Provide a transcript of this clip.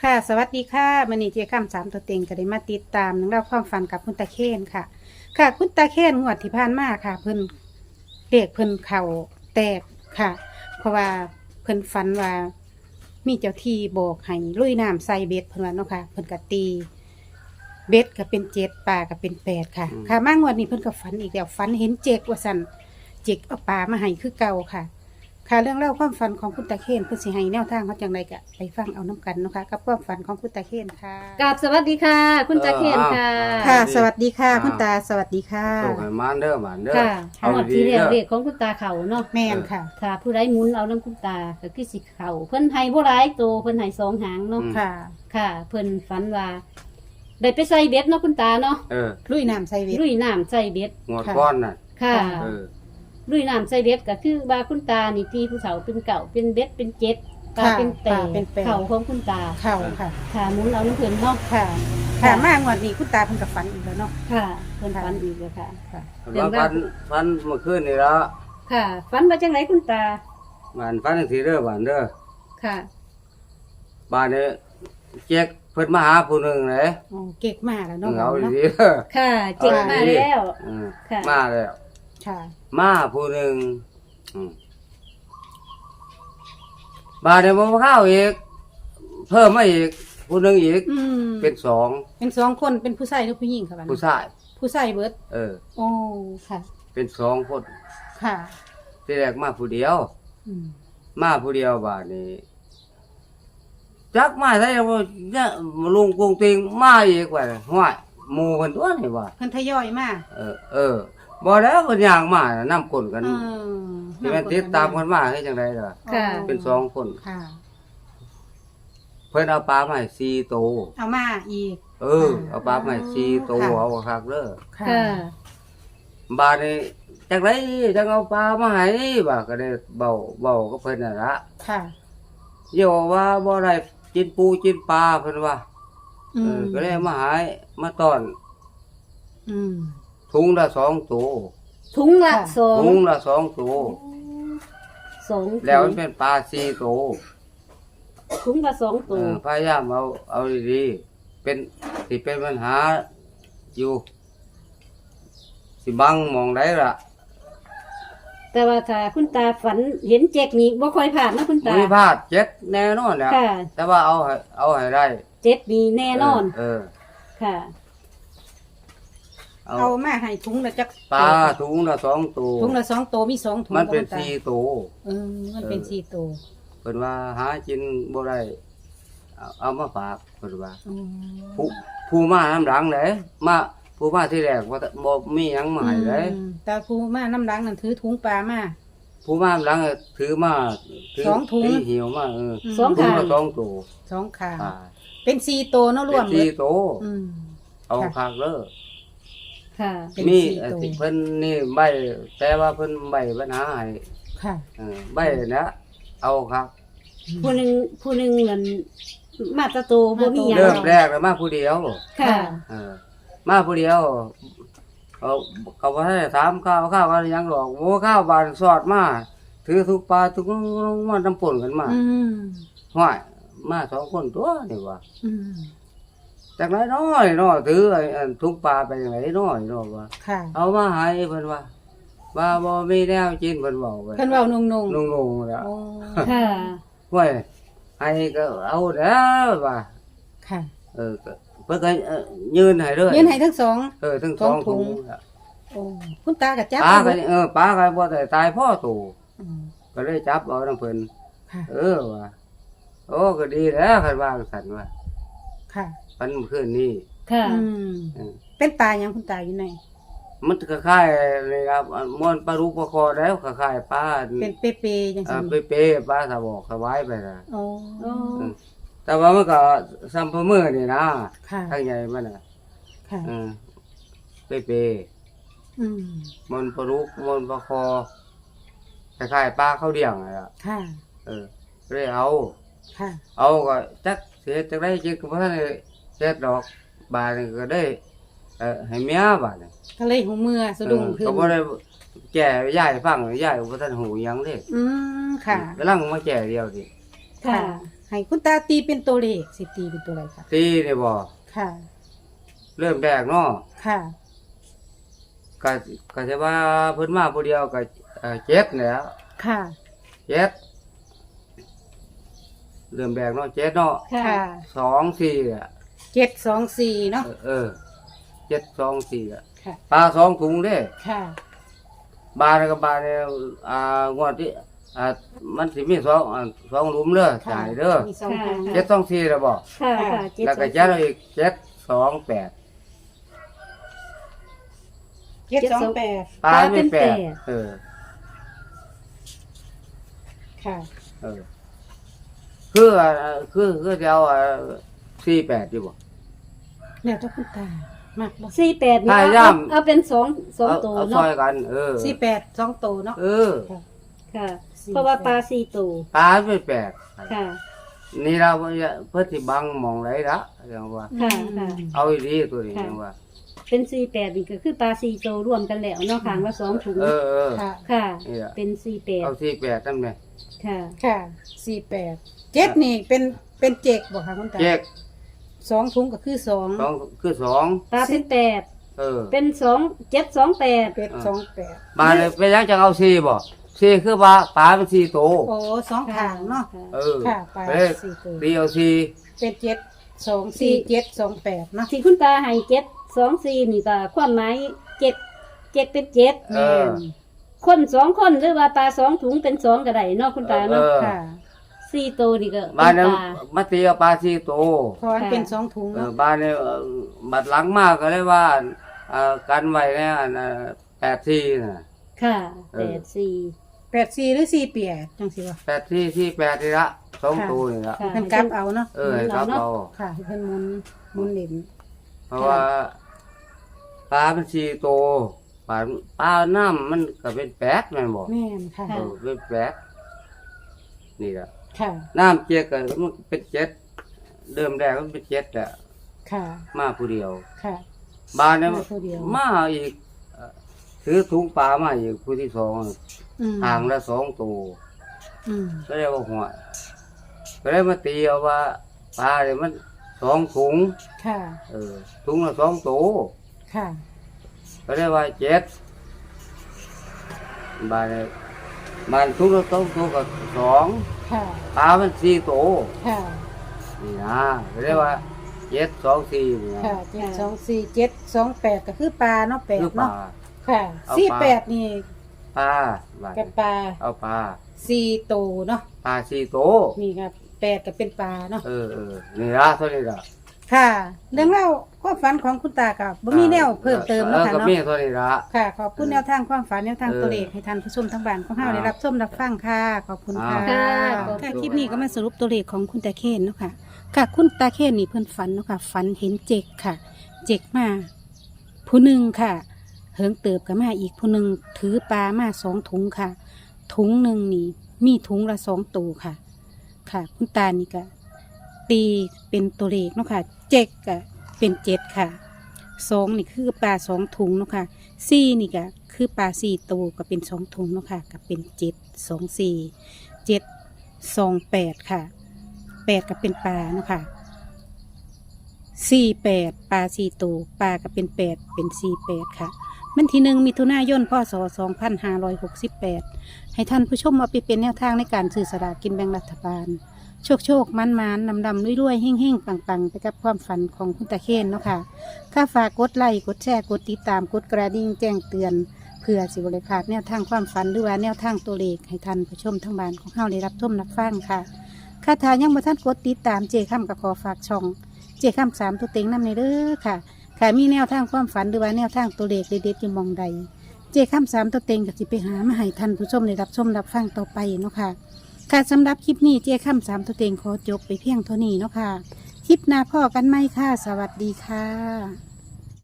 ค่ะสวัสดีค่ะมื้อนี้เจ๊ค่ำ3ตัวเต็งก็ได้มาติดตามเรื่องราวความฝันกับคุณตาเคนค่ะ ค่ะคุณตาเคนงวดที่ผ่านมาค่ะ เพิ่นเด็กเพิ่นเข่าแตกค่ะ เพราะว่าเพิ่นฝันว่ามีเจ้าที่บอกให้ลุยน้ำใส่เบ็ดเพิ่นว่าเนาะค่ะเพิ่นก็ตีเบ็ดก็เป็น7ปลาก็เป็น8ค่ะ ค่ะมางวดนี้เพิ่นก็ฝันอีกแล้วฝันเห็นเจกว่าซั่นเจกเอาปลามาให้คือเก่าค่ะ ค่ะเรื่องเล่าความฝันของคุณตาเคนเพื่อสิให้แนวทางเขาจังไรกะไปฟังเอาน้ำกันเนาะค่ะกับความฝันของคุณตาเคนค่ะกราบสวัสดีค่ะ คุณตาเคนค่ะค่ะ สวัสดีค่ะ คุณตาสวัสดีค่ะส่งให้มันเด้อมันเด้อค่ะเอาหมดดีที่ๆเรียเด้กอเรียกของคุณตาเขาเนาะแม่นค่ะค่ะ ผู้ใดหมุนเอาน้ำคุณตาก็คือสิเขาเพิ่นให้บ่หลายตัวเพิ่นให้2หางเนาะค่ะค่ะ เพิ่นฝันว่าได้ไปใส่เบ็ดเนาะคุณตาเนาะลุยน้ำใส่เวทลุยน้ำใส่เบ็ดหมดก้อนน่ะค่ะเออลุยน้ำใส่เบ็ดก็คือว่าคุณตานี่ที่ผู้เฒ่าเป็นเก่าเป็นเบ็ดเป็นเจ็ดตาเป็นแปดเข่าของคุณตาเข่าค่ะค่ะหมุนเอาน้ำเพิ่นเนาะค่ะ ค่ะมางวดนี้คุณตาเพิ่นกับฝันอีกแล้วเนาะค่ะเพิ่นฝันอีกแล้วค่ะค่ะแล้วฟันเมื่อคืนนี่แล้วค่ะฝันว่าจังไรคุณตาบ้านฟันจังซี่เด้อบ้านเด้อค่ะบ้านนี้เจ๊กเพิ่นมาหาผู้หนึงเลยโอ้เก่งมากแล้วเนาะเอาเนาะดีๆเด้อค่ะเจ๋งมาแล้วเออค่ะมาแล้วค่ะมาผู้หนึงบ้านนี้บ่เข้าอีกเพิ่มมาอีกผู้หนึงอีกอืมเป็นสองเป็นสองคนเป็นผู้ชายหรือผู้หญิงค่ะบัดนี้ผู้ชายผู้ชายเบิดเออโอ้ค่ะเป็นสองคนค่ะที่แรกมาผู้เดียวอืมมาผู้เดียวบาดนี้จักมาได้ว่าเนี่ยลุงกรุงติงมาอีกว่าห้วยหมู่เพิ่นตัวนี่ว่าเพิ่นทยอยมาเออบ่แล้วเพิ่นย่างมาน่ะนำคนกันเออที่มันติดตามกันมาคือจังได๋ล่ะค่ะเป็นสองคนค่ะเพิ่นเอาปลามาให้4โตวเอามาอีกเอาปลามาให้4โตวค่ะเอาคักเด้อค่ะค่ะบาดนี้จังไดจังเอาปลามาให้ว่าก็ได้เบากับเพิ่นน่ะละค่ะเดี๋ยวว่าบ่ได้กินปูกินปลาเพิ่นว่าอืมก็เลยมาหายมาต้อนอืมถุงละ2ตัวถุงละค่ะสองถุงละ2ตัวสองแล้วมันเป็นปลา4ตัวถุงละสองตัวพยายามเอาดีๆเป็นสิเป็นปัญหาอยู่สิบังมองได้ล่ะแต่ว่าถ้าคุณตาฝันเห็นเจ๊กนี่บ่ค่อยผ่านนะคุณตาไม่พลาดเจ็ดแน่นอนแหละค่ะแต่ว่าเอาให้ได้เจ็ดนี่แน่นอน ค่ะเอาเอามาให้ถุงละจักปลาถุงละ2ตัวถุงละ2ตัวมี2ถุงมันเป็นบ่ตา 4ตัวมันเป็น4ตัวเพิ่นว่าหากินบ่ได้เอามาฝากเพิ่นว่า ผู้มาน้ำหลังเลยมาผู้มาที่แรกว่าบ่มีหยังมาให้เลยแต่ผู้มาน้ำหลังนั่นถือถุงปลามาผู้มาน้ำหลังถือมาถืสองถุงถือหิวมาสองถุงค่ะละ2ตัว 2ขาอ่าเป็น4ตัวเนาะรวมเป็น4ตัวอืมเอาค่ะคักเด้อค่ะเป็นมี 4ตัวเพิ่นนี่ใบแต่ว่าเพิ่นใบปัญหาให้ค่ะใบนะเอาคักผู้หนึ่งเหมือนมาตะโตบ่มีหยังเริ่มแรกแล้วมาผู้เดียวค่ะเออมาผู้เดียวเขาบ่ได้ถามข้าวก็ยังหรอกโอ้ข้าวบานสอดมาถือทุกปลาทุกมันน้ำป่นกันมาอืมห้วยมา2คนตัวนี่ว่าอืมจากไหนน้อยน้อถือไอ้ทุกปลาไปจังไหนน้อยน้อว่าค่ะเอามาให้เพิ่นว่าบ่มีแนวกินเพิ่นบอกไว้เพิ่นเว้านุ่งนุ่งๆแล้วโอ้ค่ะห้วยให้ก็เอาแล้วว่าค่ะก็เพิ่นก็ยืนให้เลยยืนให้ทั้งสองทั้งสอง 2 ถุถุงงโอ้คุณตากับจับปลาเอาก็ปลาก็บ่ได้ตายพ่อตู่อืมก็เลยจับเอานำเพิ่นค่ะว่าโอ้ก็ดีแล้วคันว่าสั่นว่าค่ะมันคืนนี้ค่ะอืมเออเป็นตายังคุณตาอยู่ไหนมันก็คล้ายๆเลยครับม่วนปลาลูกปลาคอแล้วคล้ายๆปลาเป็นเปๆจังซี่เป๊ะๆปลาสะบอกสบายไปนะโอ้โอ้แต่ว่ามันก็ซ้ำพะมือนี่นะค่ะทางใหญ่มันน่ะค่ะเป๊ะอืมๆมันปลาลูกมันปลาคอคล้ายๆปลาข้าวเดี่ยงอ่ะค่ะเลยเอาค่ะเอาก็จักเสียจักได้จริงก็บ่ทันได้เฮ็ดดอกบาดนี่ก็ได้ให้เมียบาดนี่ก็เลยหูเมื่อสะดุ้งขึ้นก็บ่ได้แก่ยายฟังยายก็บ่ทันหูหยังเด้อืมค่ะกำลังมาแก่เดียวดิค่ะให้คุณตาตีเป็นตัวเลขสิตีเป็นตัวอะไรคะตีนี่บ่ค่ะเริ่มแรกเนาะค่ะก็จะว่าเพิ่นมาผู้เดียวก็เจ็ดแหล้วค่ะเจ็ดเริ่มแรกเนาะเจ็ดเนาะค่ะค่ะ 2 4อ่ะ 724เนาะ 7 2 4อ่ะค่ะปลา2ถุงเด้ค่ะบาทกับบาทเนี่ยงวดที่มันสิมี2หลุมเด้อจ่ายเด้อมี2ทาง 7 2 4แล้วบ่ค่ะค่ะเจ็ดแล้วก็จัดเอาอีก7 2 8 728 ปลาไม่แปดค่ะคือจะเอา48ดีบ่แล้วถ้าคุณตามากบ่ 48นี่ถ้าเอาย่ำเอาเป็นสองตัวเอาซเนาะอยกัน 48 2ตัวเนาะค่ะ เพราะว่าปลา4ตัวปลาไม่แปดค่ะนี่เราเพื่อที่บังมองไรละอย่างว่าค่ะค่ะเอาอีดีตัวนี้อย่างว่าเป็น48นี่ก็คือปลา4ตัวรวมกันแล้วเนาะข้างละ2ถุงค่ะค่ะนี่ล่ะเป็นเอา 48 48นั่นแหละค่ะค่ะ48 7นี่เป็นเจกบ่คะคุณตาเจ๊ก 2ถุงก็คือ2 2คือ2 ปลาเป็น8เป็น728 เป็ด28 บาเลยไปยังจะเอา4บ่4คือปลาเป็น4โตวโอ้2ทางเนาะ ค่ะปลาไป 4ตัวตีเอา4 เป็น7 2 4 7 2 8เนาะที่คุณตาให้724นี่ก็ความหมาย7เป็น7 เออคน2คนหรือว่าปลา2ถุงเป็น2ก็ได้เนาะคุณตาเนาะค่ะ 4ตัวนี่ก็บ้านเป็นนั้นปลามาตีเอาปลา4โตวเพราะมันเป็น2ถุงเนาะบ้านนี้บัดหลังมากก็เลยว่ากันไว้เนี่ย84น่ะค่ะเออ 84 84หรือ48จังซี่ว่า 84ที่8นี่ละ2ตัวนี่ละค่ะเพิ่นกลับเอาเนาะให้ครับเราค่ะให้เพิ่นหมุนเล่นเพราะว่าปลาเป็น4โตวปลาน้ำมันก็เป็น8แม่นบ่แม่นค่ะเป็น8นี่ล่ะค่ะน้ำเจ๊กก็มันเป็น7เดิมแรกมันเป็น7แหละค่ะมาผู้เดียวค่ะบ้านเนี่ยมาผู้เดียวมาอีกถือถุงปลามาอีกผู้ที่สองอืมห่างละ2ตัวอืมก็เลยว่าหัวก็เลยมาตีเอาว่าปลาเนี่ยมัน2ถุงค่ะถุงละ2ตัวค่ะก็เลยว่า7บ้านเนี่ยบ้านถุงละ2ตัวก็2 ค่ะปลามัน4ตัวค่ะนี่นะก็เลยว่า7 2 4นี่นะค่ะ724 728ก็คือปลาเนาะคือ 8 ปลาเนาะค่ะเอาปลา 48นี่ปลาบ้านกับปลาเอาปลา 4ตัวเนาะปลา4ตัวนี่ครับ8ก็เป็นปลาเนาะนี่ละเท่านี้ละค่ะ เรื่องเล่าความฝันของคุณตากับบ่มีแนวเพิ่มเติมเนาะค่ะก็เนาะมีเท่านี้ละค่ะ ขอบคุณแนวทางความฝันแนวทางตัวเลขให้ท่านผู้ชมทั้งบ้านของเฮาได้รับชมรับฟังค่ะ ขอบคุณค่ะค่ะค่ะคลิปนี้ก็มาสรุปตัวเลขของคุณตาเคนเนาะค่ะ ค่ะคุณตาเคนนี่เพิ่นฝันเนาะค่ะฝันเห็นเจกค่ะ เจกมาผู้หนึ่งค่ะ เหิงเติบกับมาอีกผู้หนึ่งถือปลามา2ถุงค่ะ ถุงหนึ่งนี่มีถุงละ2ตัวค่ะ ค่ะ คุณตานี่ก็ตีเป็นตัวเลขเนาะค่ะ เจกก็เป็น7ค่ะ2นี่คือปลา2ถุงเนาะค่ะ4นี่ก็คือปลา4ตัวก็เป็น2ถุงเนาะค่ะก็เป็น7 2 4 7 2 8ค่ะ8ก็เป็นปลาเนาะค่ะ48ปลา4ตัวปลาก็เป็น8เป็น48ค่ะมันที่1มิถุนายนพศ2568ให้ท่านผู้ชมเอาไปเป็นแนวทางในการซื้อสลากกินแบ่งรัฐบาล โชคโชคมันมันนำดำรวยๆเฮ่งเฮ่งปังปังไปกับความฝันของคุณตาเคนเนาะค่ะข้าฝากกดไลค์กดแชร์กดติดตามกดกระดิ่งแจ้งเตือน เพื่อสิบริพลาดแนวทางความฝันหรือว่าแนวทางตัวเลขให้ท่านผู้ชมทั้งบ้านของเฮาได้รับชมรับฟังค่ะค่าทายังบ่ท่านกดติดตามเจค่ำกับขอฝากช่องเจค่ำ3ตัวเต็งนำในเด้อค่ะค่ะมีแนวทางความฝันหรือว่าแนวทางตัวเลขเด็ดๆอยู่หมองใดเจค่ำ3ตัวเต็งก็สิไปหามาให้ท่านผู้ชมได้รับชมรับฟังต่อไปเนาะค่ะค่ะสำหรับคลิปนี้เจ้าค่ำ3ตัวเต็งขอจบไปเพียงเท่านี้เนาะค่ะคลิปหน้าพ่อกันไหมค่ะสวัสดีค่ะ